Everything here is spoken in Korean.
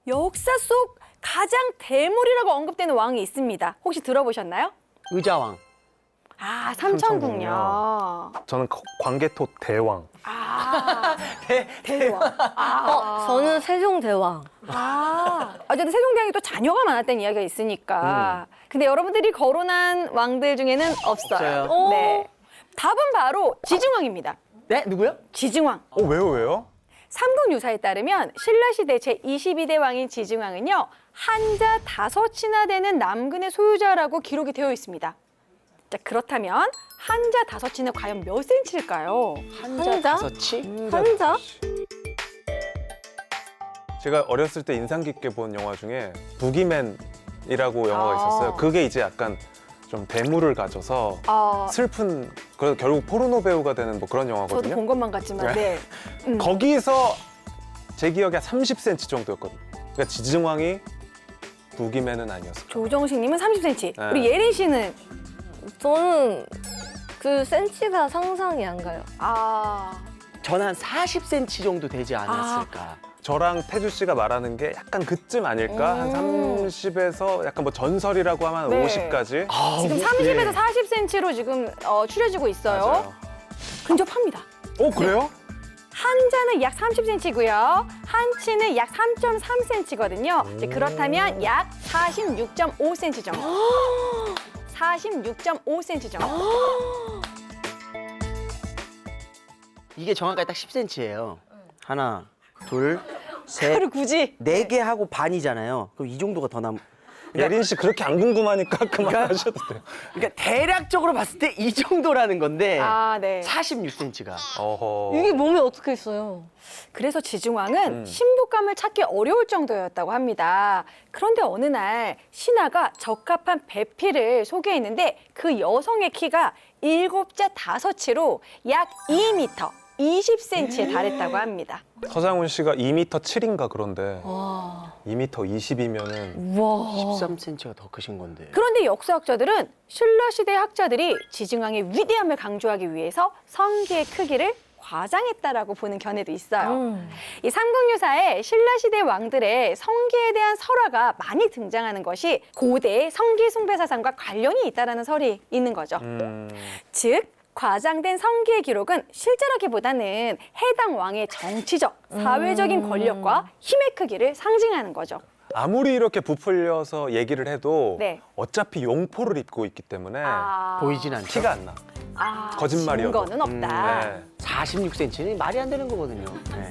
역사 속 가장 대물이라고 언급되는 왕이 있습니다. 혹시 들어보셨나요? 의자왕. 아, 삼천궁요. 저는 광개토 대왕. 아, 대왕. 아, 저는 세종대왕. 어쨌든 세종대왕이 또 자녀가 많았다는 이야기가 있으니까. 근데 여러분들이 거론한 왕들 중에는 없어요. 없어요. 네. 답은 바로 지증왕입니다. 네? 누구요? 지증왕. 왜요? 삼국유사에 따르면 신라시대 제22대 왕인 지증왕은요, 한자 5치나 되는 남근의 소유자라고 기록이 되어 있습니다. 자, 그렇다면 한자 5치는 과연 몇 센치일까요? 한자? 서치? 한자? 제가 어렸을 때 인상 깊게 본 영화 중에 부기맨이라고 영화가 아. 있었어요. 그게 이제 약간 좀 대물을 가져서 슬픈, 그래서 결국 포르노 배우가 되는 뭐 그런 저도 영화거든요. 본 것만 같지만, 네. 거기서 제 기억에 30cm 정도였거든요. 그러니까 지증왕이 부기맨은 아니었어요. 조정식님은 30cm. 네. 우리 예린 씨는 저는 그 센치가 상상이 안 가요. 저는 한 40cm 정도 되지 않았을까. 저랑 태주 씨가 말하는 게 약간 그쯤 아닐까? 한 30에서 약간 뭐 전설이라고 하면 네. 50까지. 지금 30에서 40cm로 지금 추려지고 있어요. 맞아요. 근접합니다. 그래요? 한자는 약 30cm고요. 한치는 약 3.3cm거든요. 그렇다면 약 46.5cm 정도. 46.5cm 정도. 이게 정확하게 딱 10cm예요. 하나, 둘, 셋, 그걸 굳이. 4개 하고 반이잖아요. 그럼 이 정도가 더 남. 예린 씨 그렇게 안 궁금하니까 그만하셔도 돼요. 그러니까 대략적으로 봤을 때 이 정도라는 건데 네. 46cm가. 어허. 이게 몸에 어떻게 있어요? 그래서 지증왕은 신부감을 찾기 어려울 정도였다고 합니다. 그런데 어느 날 신하가 적합한 배필을 소개했는데 그 여성의 키가 7자 5치로 약 2m, 20cm에 달했다고 합니다. 서장훈 씨가 2m 7인가 그런데 와. 2m 20이면은 우와. 13cm가 더 크신 건데. 그런데 역사학자들은 신라시대 학자들이 지증왕의 위대함을 강조하기 위해서 성기의 크기를 과장했다라고 보는 견해도 있어요. 이 삼국유사에 신라시대 왕들의 성기에 대한 설화가 많이 등장하는 것이 고대 성기 숭배 사상과 관련이 있다는 설이 있는 거죠. 즉 과장된 성기의 기록은 실제라기보다는 해당 왕의 정치적, 사회적인 권력과 힘의 크기를 상징하는 거죠. 아무리 이렇게 부풀려서 얘기를 해도 네. 어차피 용포를 입고 있기 때문에 보이진 않죠. 티가 안 나. 거짓말이어도. 증거는 없다. 네. 46cm는 말이 안 되는 거거든요. 네.